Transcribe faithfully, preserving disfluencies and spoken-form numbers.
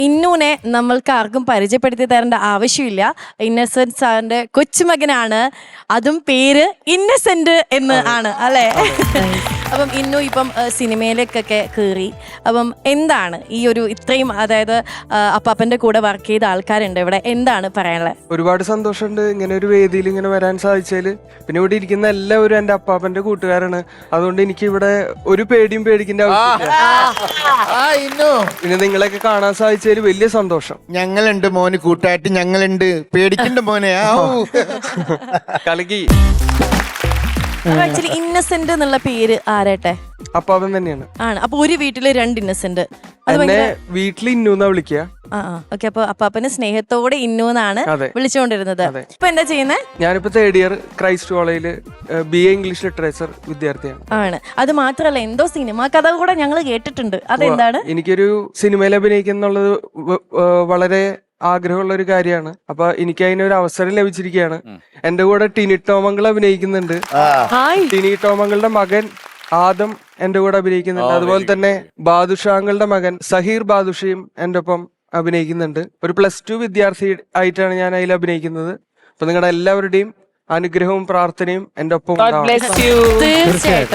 ഇന്നൂനെ നമ്മൾക്ക് ആർക്കും പരിചയപ്പെടുത്തി തരേണ്ട ആവശ്യമില്ല. ഇന്നസെന്റ് സാറിന്റെ കൊച്ചുമകനാണ്, അതും പേര് ഇന്നസെന്റ് എന്ന് ആണ് അല്ലേ? അപ്പം ഇന്നു ഇപ്പം സിനിമയിലേക്കൊക്കെ കയറി. അപ്പം എന്താണ് ഈ ഒരു ഇത്രയും, അതായത് അപ്പാപ്പന്റെ കൂടെ വർക്ക് ചെയ്ത ആൾക്കാരുണ്ട് ഇവിടെ, എന്താണ് പറയാനുള്ളത്? ഒരുപാട് സന്തോഷമുണ്ട് ഇങ്ങനെ ഒരു വേദിയിൽ ഇങ്ങനെ വരാൻ സാധിച്ചതില്. പിന്നെ ഇവിടെ ഇരിക്കുന്ന എല്ലാവരും എന്റെ അപ്പാപ്പന്റെ കൂട്ടുകാരാണ്. അതുകൊണ്ട് എനിക്ക് ഇവിടെ ഒരു പേടിയും പേടിക്കേണ്ട ആവശ്യമില്ല. പിന്നെ നിങ്ങളെയൊക്കെ കാണാൻ സാധിച്ചതിൽ വലിയ സന്തോഷം. ഞങ്ങളുണ്ട് മോന് കൂട്ടായിട്ട്, ഞങ്ങളുണ്ട്, പേടിക്കണ്ട മോനെ. കളിക്ക്. ആക്ച്വലി ഇന്നസെന്റ് എന്നുള്ള പേര് ആരട്ടെ? അപ്പാപ്പൻ തന്നെയാണ്. ആണ്. അപ്പൊ ഒരു വീട്ടില് രണ്ട് ഇന്നസെന്റ്. എന്നെ വീട്ടിൽ ഇന്നൂന്നാ വിളിക്കുക. ആ ഓക്കെ. അപ്പൊ അപ്പാപ്പന് സ്നേഹത്തോടെ ഇന്നൂന്നാണ് വിളിച്ചുകൊണ്ടിരുന്നത്. ഇപ്പൊ എന്താ ചെയ്യുന്നത്? ഞാനിപ്പോ തേർഡ് ഇയർ ക്രൈസ്റ്റ് കോളേജില് ബി എ ഇംഗ്ലീഷ് ലിറ്ററേച്ചർ വിദ്യാർത്ഥിയാണ്. ആണ്. അത് മാത്രല്ല, എന്തോ സിനിമ കഥ കൂടെ ഞങ്ങൾ കേട്ടിട്ടുണ്ട്. അതെന്താണ്? എനിക്കൊരു സിനിമയിൽ അഭിനയിക്കുന്നുള്ളത് വളരെ ആഗ്രഹമുള്ള ഒരു കാര്യമാണ്. അപ്പൊ എനിക്ക് അതിനൊരു അവസരം ലഭിച്ചിരിക്കുകയാണ്. എന്റെ കൂടെ ടിനി ടോമങ്ങൾ അഭിനയിക്കുന്നുണ്ട്. ടിനി ടോമങ്ങളുടെ മകൻ ആദം എന്റെ കൂടെ അഭിനയിക്കുന്നുണ്ട്. അതുപോലെ തന്നെ ബാദുഷാങ്ങളുടെ മകൻ സഹീർ ബാദുഷയും എന്റെ ഒപ്പം അഭിനയിക്കുന്നുണ്ട്. ഒരു പ്ലസ് ടു വിദ്യാർത്ഥി ആയിട്ടാണ് ഞാൻ അതിൽ അഭിനയിക്കുന്നത്. അപ്പൊ നിങ്ങളുടെ എല്ലാവരുടെയും അനുഗ്രഹവും പ്രാർത്ഥനയും എന്റെ ഒപ്പം തീർച്ചയായിട്ടും.